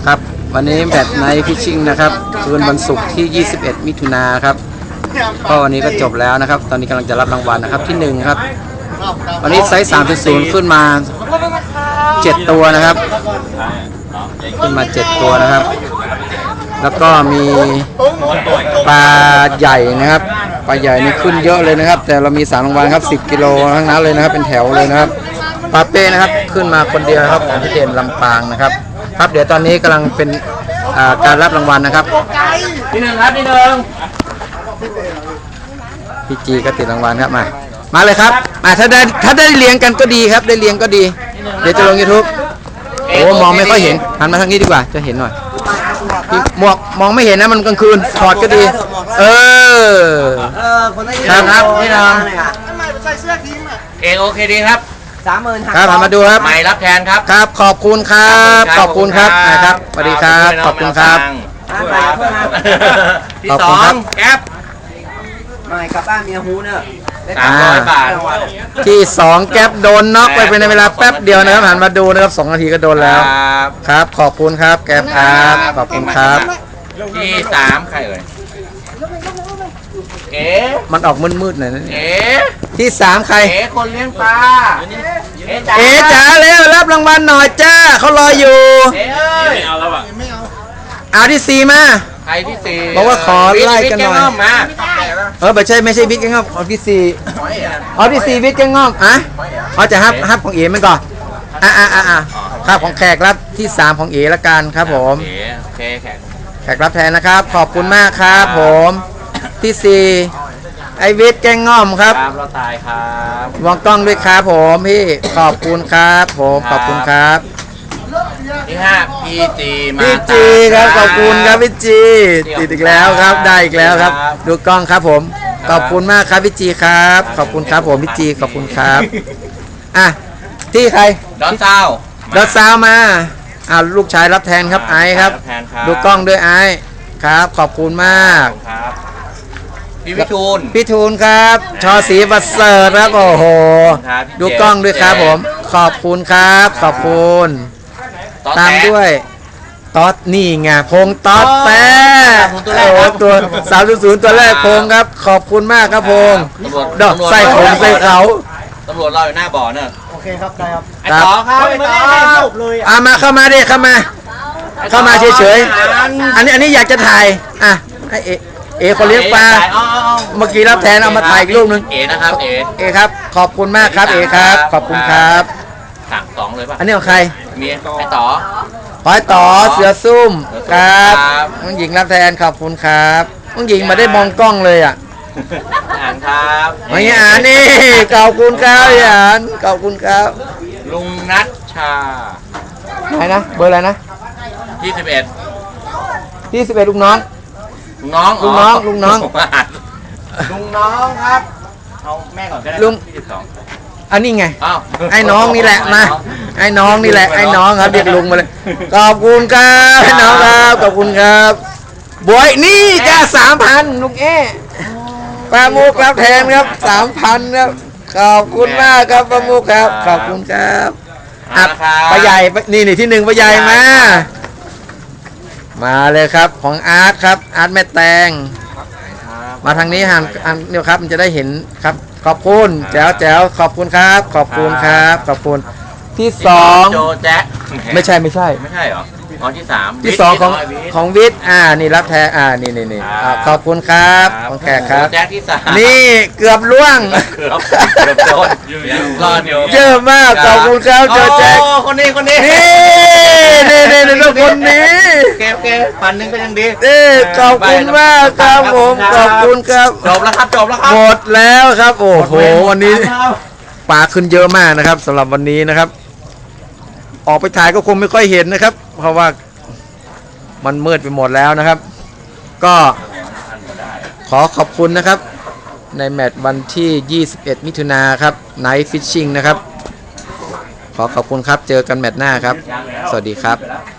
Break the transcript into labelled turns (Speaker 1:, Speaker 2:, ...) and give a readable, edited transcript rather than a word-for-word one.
Speaker 1: ครับวันนี้แบตไนท์ฟิชชิ่งนะครับคืนวันศุกร์ที่ 21 มิถุนายนครับก็วันนี้ก็จบแล้วนะครับตอนนี้กำลังจะรับรางวัลนะครับที่1ครับวันนี้ไซส์ 3.0 ขึ้นมา7ตัวนะครับขึ้นมา7ตัวนะครับแล้วก็มีปลาใหญ่นะครับปลาใหญ่นี่ขึ้นเยอะเลยนะครับแต่เรามี3รางวัลครับ10 กิโลทั้งนั้นเลยนะครับเป็นแถวเลยนะครับปลาเป้นะครับขึ้นมาคนเดียวครับของพี่เด่นลำปางนะครับครับเดี๋ยวตอนนี้กำลังเป็นการรับรางวัลนะครับที่1ครับที่1พี่จีก็ติดรางวัลครับมาเลยครับมาถ้าได้เลี้ยงกันก็ดีครับได้เลี้ยงก็ดีเดี๋ยวจะลง YouTube โอ้มองไม่ค่อยเห็นหันมาทางนี้ดีกว่าจะเห็นหน่อยหมวกมองไม่เห็นนะมันกลางคืนถอดก็ดีครับพี่น้อง
Speaker 2: โอเคดีครับ
Speaker 1: 30,000ครับมาดูครับ
Speaker 2: ใหม่รับแทนครับ
Speaker 1: ครับขอบคุณครับขอบคุณครับนะครับสวัสดีครับขอบคุณครับ
Speaker 2: ที่2แก๊ป
Speaker 3: ใหม่กลับบ้านเมียฮูเนอะ
Speaker 2: 300 บาท
Speaker 1: ที่2แก๊ปโดนน็อกไปในเวลาแป๊บเดียวนะครับหันมาดูนะครับ2 นาทีก็โดนแล้วครับขอบคุณครับแก๊ปครับขอบคุณครับ
Speaker 2: ที่3ใครเอ่ย
Speaker 1: มันออกมืดๆหน่อยนะที่3ใคร
Speaker 2: คนเลี้ยงปลา
Speaker 1: จ๋าเร็วรับรางวัลหน่อยจ้าเขารออยู่
Speaker 2: ไม่เอาแล้วอ่ะ
Speaker 1: เอาที่4มา
Speaker 2: ใครที่4
Speaker 1: บอกว่าขอไล่กันหน่อยไม่ใช่บิ๊กแกงอ้อมเอาที่4บิ๊กแกงอ้อมจะฮับของเอ๋มันก่อนครับของแขกรับที่3ของเอ๋ละกันครับผมแขกรับแทนนะครับขอบคุณมากครับผมที่4ไอวิทย์แกงง่อมครับ
Speaker 2: เราตายครับ
Speaker 1: มองกล้องด้วยครับผมพี่ขอบคุณครับผมขอบคุณครับ
Speaker 2: ที่5พี่
Speaker 1: จีครับขอบคุณครับพี่จีติดอีกแล้วครับได้อีกแล้วครับดูกล้องครับผมขอบคุณมากครับพี่จีครับขอบคุณครับผมพี่จีขอบคุณครับที่ใคร
Speaker 2: ดอน
Speaker 1: ซาวมาลูกชายรับแทนครับไอครับดูกล้องด้วยไอครับขอบคุณมาก
Speaker 2: พี่
Speaker 1: ทูลครับชอศรีประเสริฐครับโอ้โหดูกล้องด้วยครับผมขอบคุณครับขอบคุณตามด้วยต๊อดนี่ไงพงต๊อดแป๊ตัว3.0ตัวแรกพงครับขอบคุณมากครับพงดอกใส่ผมใส่เขา
Speaker 2: ตำรวจรออยู่หน้าบ่อเนอะ
Speaker 3: โอเคครับได้ครับ
Speaker 2: ไอ้ต่อครับ
Speaker 3: ไม่ได้จบเลย
Speaker 1: มาเข้ามาดิเข้ามาเฉยๆอันนี้อยากจะถ่ายเอคนเลี้ยงปลาเมื่อกี้รับแทนเอามาถ่ายอีกรูปนึง
Speaker 2: นะครับ
Speaker 1: ครับขอบคุณมากครับครับขอบคุณครับ
Speaker 2: สั่ง2เลยป่ะ
Speaker 1: อันนี้ของใคร
Speaker 2: มีไอ้ต่
Speaker 1: อเสือซุ่มครับน้องหญิงรับแทนขอบคุณครับน้องหญิงมาได้มองกล้องเลย
Speaker 2: ครับ
Speaker 1: นี่ขอบคุณครับขอบคุณครับ
Speaker 2: ลุงนัชชา
Speaker 1: ไหนนะเบอร์อะไรนะ
Speaker 2: ที่
Speaker 1: 11ลูกน้อง
Speaker 2: ครับเอาแม่ก่อนก็ได้
Speaker 1: ลุงอันนี้ไงไอ้น้องนี่แหละนะไอ้น้องนี่แหละไอ้น้องครับเรียกลุงมาเลยขอบคุณครับไอ้น้องครับขอบคุณครับบวยนี่จ้า3,000ลุงปลาหมูรับแทนครับ3,000ครับขอบคุณมากครับปลาหมูครับขอบคุณครับปลาใหญ่นี่ที่1ปลาใหญ่มาเลยครับของอาร์ตครับอาร์ตแม่แตงมาทางนี้หันเนี่ยครับมันจะได้เห็นครับขอบคุณแจ๋วขอบคุณครับขอบคุณครับขอบคุณที่2
Speaker 2: โจแจ๊
Speaker 1: ไม่ใช่
Speaker 2: เหรอ
Speaker 1: ที่2ของวิทย์นี่รับแทนนี่ขอบคุณครับของแขกครับ
Speaker 2: แจ๊ที่3
Speaker 1: นี่เกือบล่วง
Speaker 2: โดนรอดอยู่
Speaker 1: เยอะมากขอบคุณครับโจแจ๊
Speaker 2: คนนี้
Speaker 1: นี่คนนี้
Speaker 2: โอเค1,000ก็ยังดี
Speaker 1: ขอบคุณมากครับผมขอบคุณครับ
Speaker 2: จบแล้วครับ
Speaker 1: หมดแล้วครับโอ้โหวันนี้ปลาขึ้นเยอะมากนะครับสำหรับวันนี้นะครับออกไปถ่ายก็คงไม่ค่อยเห็นนะครับเพราะว่ามันมืดไปหมดแล้วนะครับก็ขอขอบคุณนะครับในแมตช์วันที่21 มิถุนายนครับ Night Fishing นะครับขอขอบคุณครับเจอกันแมตช์หน้าครับสวัสดีครับ